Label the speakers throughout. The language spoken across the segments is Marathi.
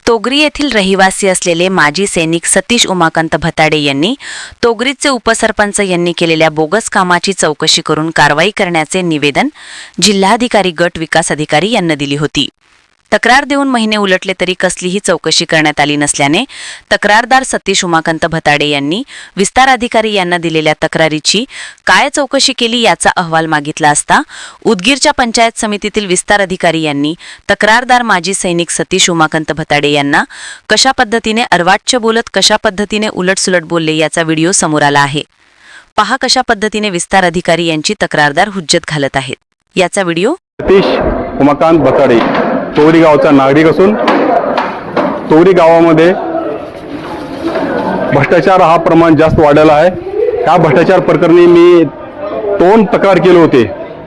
Speaker 1: तोगरी येथील रहिवासी असलेले माजी सैनिक सतीश उमाकांत भताडे यांनी तोगरीचे उपसरपंच यांनी केलेल्या बोगस कामाची चौकशी करून कारवाई करण्याचे निवेदन जिल्हाधिकारी गट विकास अधिकारी यांना दिली होती। तक्रार देऊन महिने उलटले तरी कसलीही चौकशी करण्यात आली नसल्याने तक्रारदार सतीश उमाकांत भताडे यांनी विस्तार अधिकारी यांना दिलेल्या तक्रारीची काय चौकशी केली याचा अहवाल मागितला असता उदगीरच्या पंचायत समितीतील विस्तार अधिकारी यांनी तक्रारदार माजी सैनिक सतीश उमाकांत भताडे यांना कशा पद्धतीने अर्वाच्य बोलत कशा पद्धतीने उलटसुलट बोलले याचा व्हिडिओ समोर आला आहे। पहा कशा पद्धतीने विस्तार अधिकारी यांची तक्रारदार हुज्जत घालत आहेत। याचा व्हिडिओ।
Speaker 2: सतीश उमाकांत भताडे तोगरी गावचा नागरिक असून तोगरी गावामध्ये भ्रष्टाचार हा प्रमाण जास्त वाढलेला आहे। या भ्रष्टाचार प्रकरणी मी 2 तक्रार केले होते।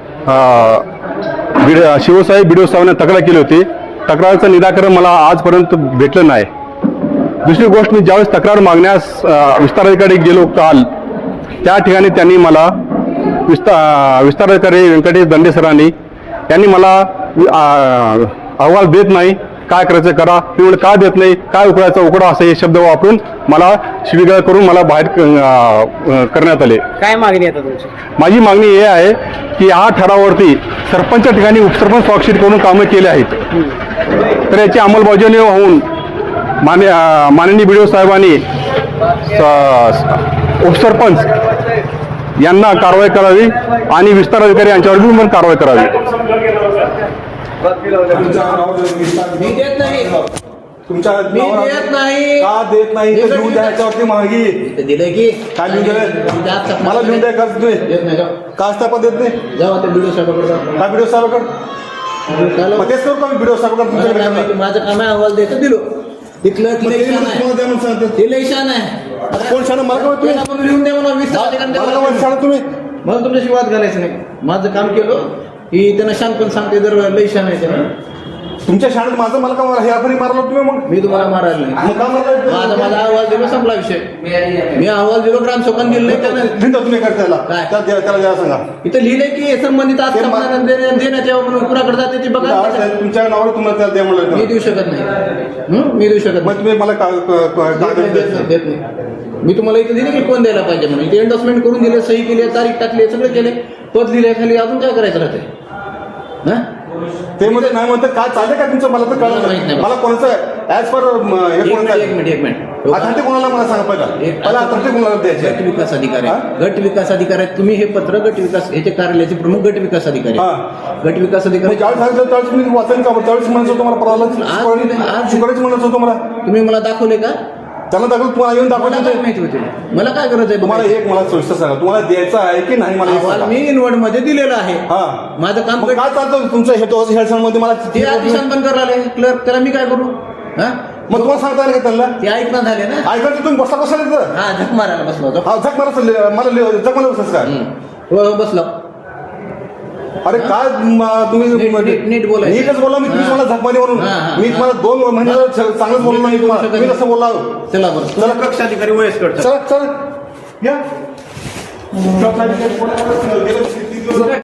Speaker 2: शिवसाहेब बीडीओ साहेबांना तक्रार केली होती। तक्रारीचं निराकरण मला आजपर्यंत भेटलं नाही। दुसरी गोष्ट, मी ज्यावेळेस तक्रार मागण्यास विस्तार अधिकारी गेलो काल, त्या ठिकाणी त्यांनी मला विस्तार अधिकारी व्यंकटेश दंडे सरांनी त्यांनी मला अहवाल देत नाही, काय करायचं करा, मी म्हणलं का देत नाही, काय उकडायचा उकडा असे हे शब्द वापरून मला शिवीगाळ करून मला बाहेर करण्यात आले।
Speaker 3: काय मागणी आहे तुमची?
Speaker 2: माझी मागणी हे आहे की या ठरावावरती सरपंच ठिकाणी उपसरपंच स्वाक्षरी करून कामं केले आहेत, तर याची अंमलबजावणी होऊन माननीय बीडीओ साहेबांनी उपसरपंच यांना कारवाई करावी आणि विस्तार अधिकारी यांच्यावर पण कारवाई करावी।
Speaker 3: मी देत नाही,
Speaker 4: तुमच्या
Speaker 3: मी देत नाही,
Speaker 4: का देत नाही? लिहून द्यायच्यावरती मागी
Speaker 3: दिलंय की
Speaker 4: काय लिहून द्याय? मला लिहून द्याय का तुम्ही?
Speaker 3: देत नाही
Speaker 4: का पण देत नाही?
Speaker 3: जाऊ ते व्हिडिओ साहेबांकडे जा।
Speaker 4: काय व्हिडिओ साहेबांकडे? मग तेच करू का मी व्हिडिओ साहेबांकडे तुमच्याकडे?
Speaker 3: माझं काम आहे, अहवाल द्यायचं दिलो। तिथलं शान आहे,
Speaker 4: कोण शान? मला काय तुम्ही
Speaker 3: लिहून द्या म्हणून
Speaker 4: शान तुम्ही
Speaker 3: मला तुमच्याशी वाद घालायचं नाही। माझं काम केलं की त्यांना शान पण सांगते, जर लई शान आहे त्यांना
Speaker 4: तुमच्या शाळेत माझं मला का हेराफेरी मारलं तुम्ही? मग
Speaker 3: मी तुम्हाला मारायला नाही,
Speaker 4: मग का मारलं?
Speaker 3: माझा अहवाल दिलो, संपला विषय। मी अहवाल दिलो, ग्रामसेवकांनी दिलं नाही, त्यांना
Speaker 4: लिहिता तुम्ही करतायला
Speaker 3: काय?
Speaker 4: त्याला द्या सांगा।
Speaker 3: इथं लिहिलंय की संबंधित देण्याच्या कुणाकडे जाते ते बघा।
Speaker 4: तुमच्या नावावर तुम्हाला त्याला द्या
Speaker 3: मी
Speaker 4: म्हणलं।
Speaker 3: देऊ शकत नाही, मी देऊ शकत
Speaker 4: मग तुम्ही मला
Speaker 3: देत नाही। मी तुम्हाला इथे दिले की कोण द्यायला पाहिजे म्हणून, इथे एंडोर्समेंट करून दिले, सही केली, तारीख टाकली, सगळं केले, पद लिहिले खाली, अजून काय करायचं राहते?
Speaker 4: ते मध्ये नाही म्हणतात काय चाललंय का तुमचं? मला तर कळलं नाही, मला कोणाचं ऍज पर हे कोणाचं?
Speaker 3: एक मिनिट
Speaker 4: अथॉरिटी कोणाला मला सांगा पहिला अथॉरिटी कोणाला द्यायची?
Speaker 3: गट विकास अधिकारी, गट विकास अधिकारी तुम्ही हे पत्र गट विकास याचे कार्यालयाचे प्रमुख गट विकास अधिकारी, गट विकास अधिकारी
Speaker 4: ज्यावेळेस सांगितलं त्यावेळेस मी वाचन का त्यावेळेस म्हणत होतो मला परवाला आज शुक्रच म्हणत होतो मला।
Speaker 3: तुम्ही मला दाखवले का?
Speaker 4: त्याला दाखवलं, तुम्हाला येऊन दाखवलं
Speaker 3: माहिती होते, मला काय गरज आहे?
Speaker 4: तुम्हाला एक मला सविस्तर सांगा, तुम्हाला द्यायचं आहे की नाही? मला
Speaker 3: मी इनवर्ड मध्ये दिलेलं आहे। माझं काम
Speaker 4: काय चालतं तुमचं हेडसनमध्ये? मला
Speaker 3: ते आदेशान बंद करायला क्लर्क, त्याला मी काय करू?
Speaker 4: मग तुम्हाला सांगता आलं का त्यांना?
Speaker 3: ते ऐकणं झाले ना,
Speaker 4: ऐकायचं तुम्ही बसला बसला
Speaker 3: हा झक मारायला बसलो होतो।
Speaker 4: हा झक मारा मला झक मारा बसलास काय?
Speaker 3: हो बसलो।
Speaker 4: अरे काय तुम्ही
Speaker 3: नीट बोला,
Speaker 4: नीटच बोला। मी तुम्ही मला झकमारी म्हणून मी तुम्हाला 2 महिने चांगलंच बोललो नाही तुम्हाला, तुम्ही कसं बोलला?
Speaker 3: चला बरं, चला कक्ष अधिकारी वयस्कर,
Speaker 4: चला चला या।